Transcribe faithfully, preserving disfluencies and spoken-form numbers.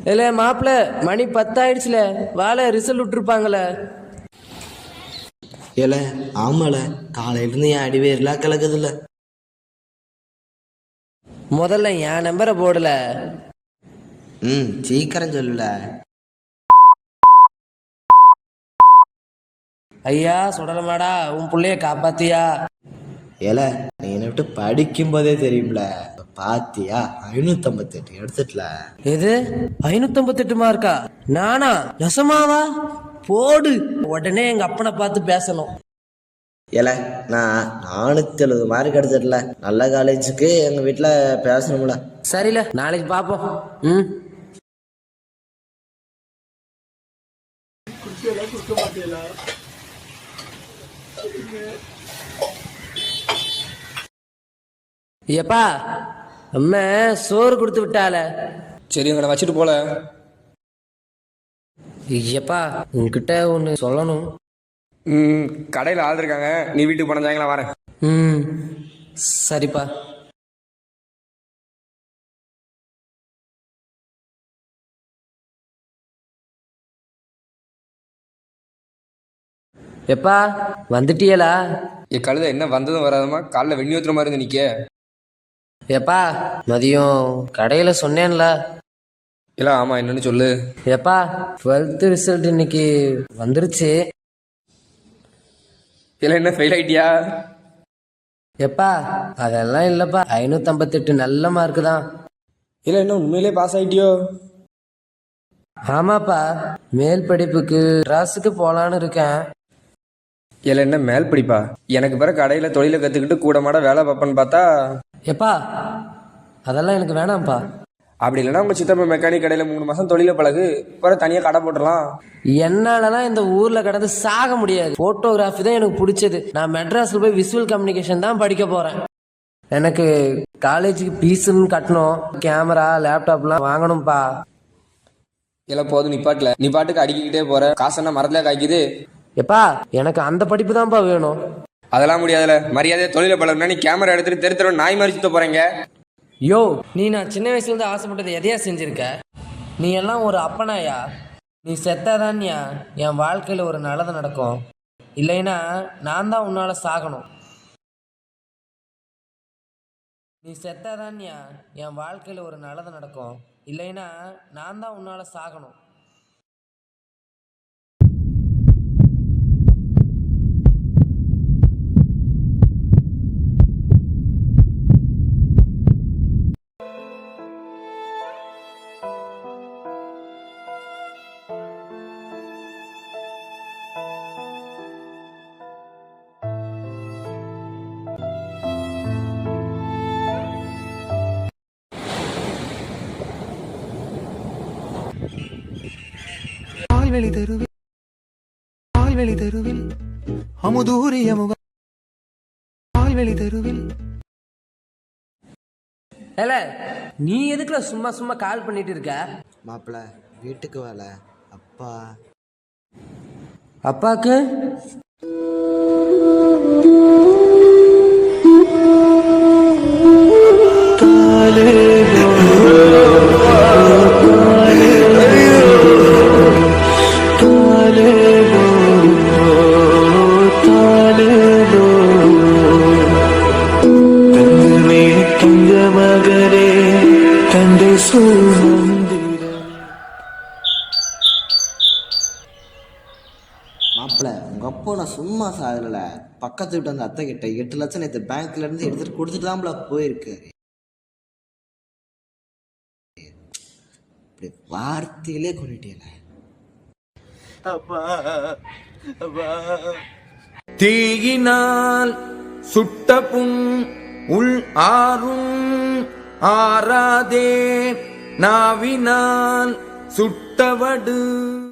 இல்ல மாப்பிள்ள மணி பத்தாயிடுச்சுல வாழை ரிசல்ட் விட்டுருப்பாங்கள. ஏல ஆமால காலையிலிருந்து என் அடிவேர்லாம் கலக்குதுல்ல. முதல்ல என் நம்பரை போடல. ம் சீக்கிரம் சொல்லல. ஐயா சுடலமாடா உன் பிள்ளைய காப்பாத்தியா? ஏல நீ என்னை விட்டு படிக்கும் போதே தெரியும்ல. பாத்தியா ஐநூத்தி ஐம்பத்தி எட்டு எடுத்துட்டல. எது ஐநூத்தி ஐம்பத்தி எட்டு மார்க்கா? நானா? நெசமாவா? போடு. உடனே எங்க அப்பனை பார்த்து பேசணும். ஏல நான் நானூத்தி எழுபது மார்க் எடுத்துடல. நல்ல காலேஜுக்கு எங்க வீட்டுல பேசணும்ல. சரில நாளைக்கு பாப்போம். ம் எப்பா அம்மா சோறு கொடுத்து விட்டால. சரி உங்களை வச்சுட்டு போல. ஐயப்பா உன்கிட்ட ஒன்று சொல்லணும். ம் கடையில் ஆள் இருக்காங்க, நீ வீட்டுக்கு போன சாயங்காலம் வரேன். ம் சரிப்பா. எப்பா வந்துட்டியலா? என் கழுதை என்ன வந்ததும் வராதமா காலைல வெண்ணி ஊத்துற மாதிரி இருந்து நிற்க. எப்பா மதியம் கடையில் சொன்னேன்ல. இல்லை ஆமாம் என்னன்னு சொல்லு. எப்பா டுவெல்த்து ரிசல்ட் இன்னைக்கு வந்துருச்சு. இல்லை என்ன ஃபெயில் ஆகிட்டியா? எப்பா அதெல்லாம் இல்லைப்பா, ஐநூற்றி ஐம்பத்தெட்டு நல்ல மார்க்கு தான். இல்லை என்ன உண்மையிலே பாஸ் ஆகிட்டியோ? ஆமாப்பா மேல் படிப்புக்கு ட்ராஸுக்கு போகலான்னு இருக்கேன். இல்லை என்ன மேல் படிப்பா? எனக்கு பிறகு கடையில் தொழிலை கற்றுக்கிட்டு கூட மாட வேலை பார்ப்பேன்னு பார்த்தா. எப்பா அதெல்லாம் எனக்கு வேணாம்ப்பா. அப்படி இல்லைன்னா உங்கள் சித்தப்பா மெக்கானிக் கடையில் மூணு மாதம் தொழிலை பழகு, பிறகு தனியாக கடை போட்டுடலாம். என்னாலலாம் இந்த ஊரில் கடந்து சாக முடியாது. ஃபோட்டோகிராஃபி தான் எனக்கு பிடிச்சது. நான் மெட்ராஸில் போய் விசுவல் கம்யூனிகேஷன் தான் படிக்க போகிறேன். எனக்கு காலேஜுக்கு ஃபீஸுன்னு கட்டணும், கேமரா லேப்டாப்லாம் வாங்கணும்ப்பா. இல்லை போதும் நிப்பாட்டில், நீ பாட்டுக்கு அடிக்கிட்டே போகிற, காசெல்லாம் மரத்தில் காய்க்குது. எப்பா எனக்கு அந்த படிப்பு தான்ப்பா வேணும். அதெல்லாம் முடியாதுல, மரியாதையை தொழிலை பழகுனா நீ கேமரா எடுத்துட்டு தெரு தெரு நாய் மாதிரி சுத்த போகிறீங்க. யோ நீ நான் சின்ன வயசுலேருந்து ஆசைப்பட்டது எதையா செஞ்சுருக்க? நீ எல்லாம் ஒரு அப்பனாயா? நீ செத்தாதான்யா என் வாழ்க்கையில் ஒரு நல்லது நடக்கும். இல்லைன்னா நான் தான் உன்னால் சாகணும். நீ செத்தாதான்யா என் வாழ்க்கையில் ஒரு நல்லது நடக்கும். இல்லைன்னா நான் தான் உன்னால் சாகணும். பால்வெளி தெருவில் பால்வெளி தெருவில் அமுதூரிய முகம். பால்வெளி தெருவில் ஏல நீ எதுக்குல சும்மா சும்மா கால் பண்ணிட்டு இருக்க? மாப்பிள்ள வீட்டுக்கு வேலை. அப்பா அப்பாக்கு மாப்பிள்ள உங்க அப்பா நான் சும்மா சாகல. பக்கத்து வீட்டு அந்த அத்தை கிட்ட எட்டு லட்சம் நேற்று பேங்க்ல இருந்து எடுத்துட்டு கொடுத்துட்டு தான்ல போயிருக்காரு. இப்படி வார்த்தையிலே கொண்டுட்டேல. தீயினால் சுட்ட புண் உள் ஆறும் ஆறாதே, நாவினால் சுட்டவடு